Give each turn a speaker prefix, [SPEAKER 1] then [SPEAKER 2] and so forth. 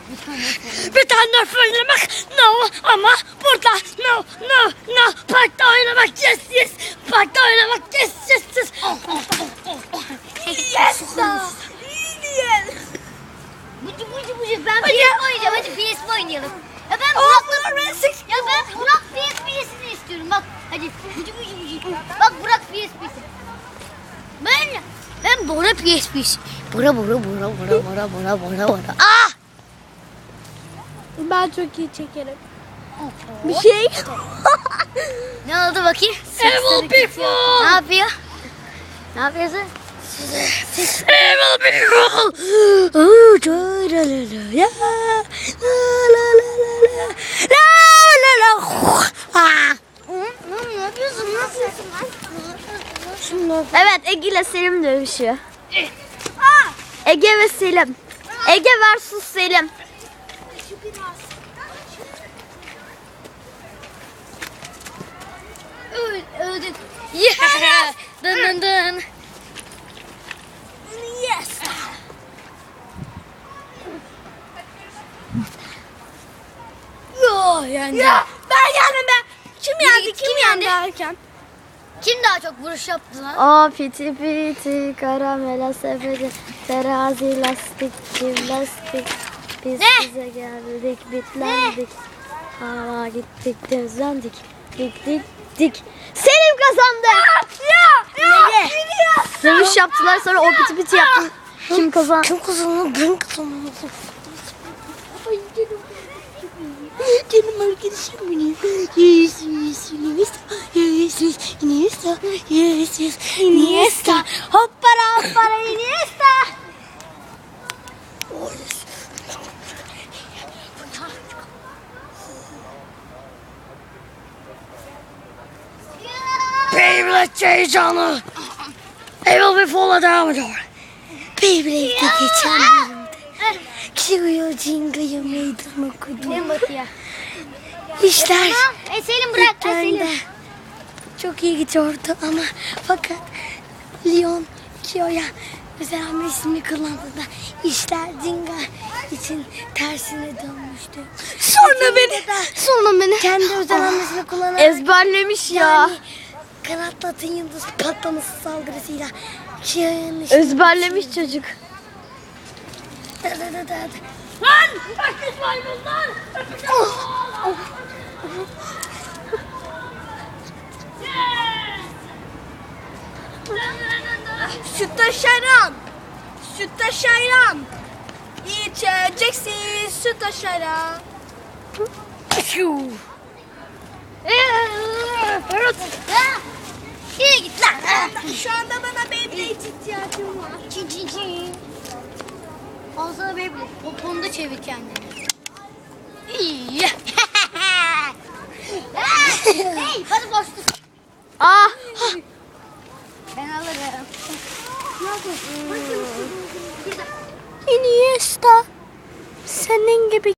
[SPEAKER 1] Bir tane oynamak no ama burada no. Parkta oynamak yes. Parkta oynamak yes. Yes. Bıcı. Ben PS oynayacağım. Hadi PS oynayalım. Ya ben Burak PS'ini istiyorum. Bak hadi bıcı. Bak Burak PS'si. Ben Bora PS'si. Bora. Ah!
[SPEAKER 2] Ben çok iyi çekerim. Bir şey.
[SPEAKER 1] Ne oldu bakayım? Evil people. Ne yapıyorsun? Evil people. Ne yapıyorsun?
[SPEAKER 2] Evet, Ege ile Selim dövüşüyor. Ege ve Selim. Ege versus Selim.
[SPEAKER 1] Öldük. Yeah. Dın.
[SPEAKER 2] Yes.
[SPEAKER 1] Yani.
[SPEAKER 2] Ya ben yendim be. Kim yendi?
[SPEAKER 1] Kim yendi?
[SPEAKER 2] Derken.
[SPEAKER 1] Kim daha çok vuruş yaptı lan?
[SPEAKER 2] O piti karamela sepeti terazi lastik jimnastik biz
[SPEAKER 1] Ne?
[SPEAKER 2] size geldik bitlendik hava gittik gözlendik dik Selim kazandı.
[SPEAKER 1] Ya.
[SPEAKER 2] Dövüş yaptılar sonra o piti yaptı. Kim kazandı?
[SPEAKER 1] Kim kazandı? Ben kazandım. Canım arkadaşım benim. Iniesta.
[SPEAKER 2] Hoppara Iniesta.
[SPEAKER 1] Beyblade heyecanı. Evil bir fola devam ediyor. Beyblade'de geçen bölümde Kiyo'ya Jinga'ya meydan okudu.
[SPEAKER 2] En batıya.
[SPEAKER 1] İşler
[SPEAKER 2] Selim bırak.
[SPEAKER 1] ilk çok iyi gidiyordu ama fakat Leon Kiyo'ya özel hamlesini kullandığında işler Jinga için tersine dönmüştü.
[SPEAKER 2] Sonra beni.
[SPEAKER 1] Kendi özel hamlesini kullanarak
[SPEAKER 2] Ezberlemiş ya.
[SPEAKER 1] yani kanatlı atın yıldız patlaması saldırısıyla Kiyo'nun
[SPEAKER 2] Ezberlemiş çocuk.
[SPEAKER 1] Lan! Kaçmış maymunlar!
[SPEAKER 2] Süt şayran. İçeceksin süt şayran.
[SPEAKER 1] İyi git lan!
[SPEAKER 2] Şu anda bana Beyblade ihtiyacım var.
[SPEAKER 1] Çin. Al sana Beyblade. O konuda çevir kendini. İyi. Hey, hadi koştur.
[SPEAKER 2] Ah!